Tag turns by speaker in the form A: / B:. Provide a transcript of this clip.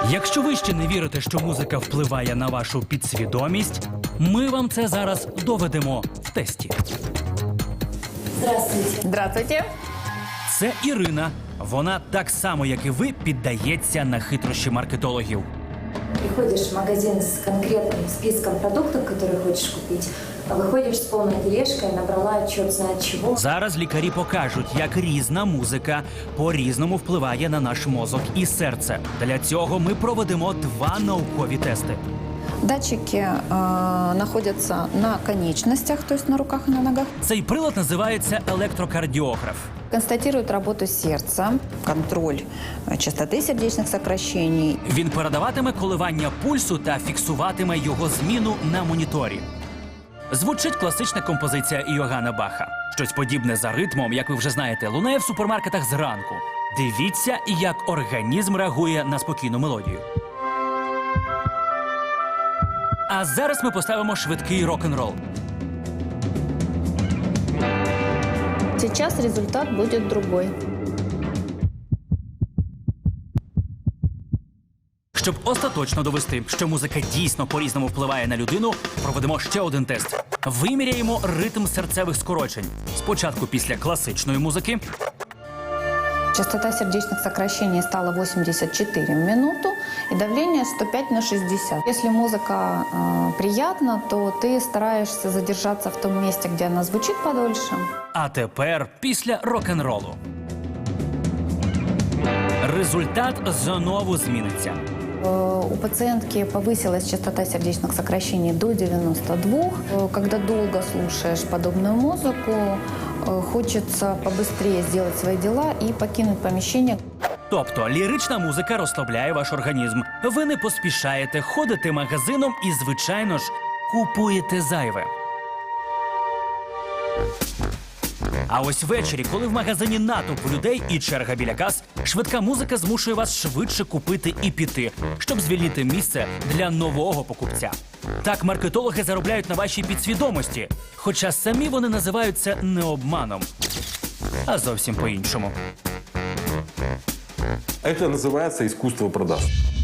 A: Якщо ви ще не вірите, що музика впливає на вашу підсвідомість, ми вам це зараз доведемо в тесті.
B: Здравствуйте.
C: Здравствуйте.
A: Це Ірина. Вона так само, як і ви, піддається на хитрощі маркетологів.
B: Приходишь в магазин с конкретным списком продуктов, которые хочешь купить, а выходишь с полной тележкой, набрала черт знает чего.
A: Зараз лікарі покажуть, як різна музика по-різному впливає на наш мозок і серце. Для цього ми проведемо два наукові тести.
C: Датчики находятся на конечностях, то есть на руках и на ногах.
A: Цей прилад називається електрокардіограф.
C: Констатирует работу сердца, контроль частоты сердечных сокращений.
A: Він передаватиме коливання пульсу та фіксуватиме його зміну на моніторі. Звучить класична композиція Йоганна Баха. Щось подібне за ритмом, як ви вже знаєте, лунає в супермаркетах зранку. Дивіться, як організм реагує на спокійну мелодію. А зараз ми поставимо швидкий рок-н-рол.
C: Сейчас результат будет другой.
A: Щоб остаточно довести, що музика дійсно по-різному впливає на людину, проведемо ще один тест. Виміряємо ритм серцевих скорочень. Спочатку після класичної музики,
C: Частота сердечных сокращений стала 84 в минуту и давление 105 на 60. Если музыка приятна, то ты стараешься задержаться в том месте, где она звучит подольше.
A: а тепер після рок-н-ролу. Результат знову зміниться.
C: У пациентки повысилась частота сердечных сокращений до 92. Когда долго слушаешь подобную музыку, хочется побыстрее сделать свои дела и покинуть помещение.
A: Тобто лірична музика розслабляє ваш організм. Ви не поспішаєте, ходите магазином і, звичайно ж, купуєте зайве. А ось ввечері, коли в магазині натовп людей і черга біля кас, швидка музика змушує вас швидше купити і піти, щоб звільнити місце для нового покупця. Так маркетологи заробляють на вашій підсвідомості, хоча самі вони називають це не обманом, а зовсім по-іншому.
D: Это называется искусство продаж.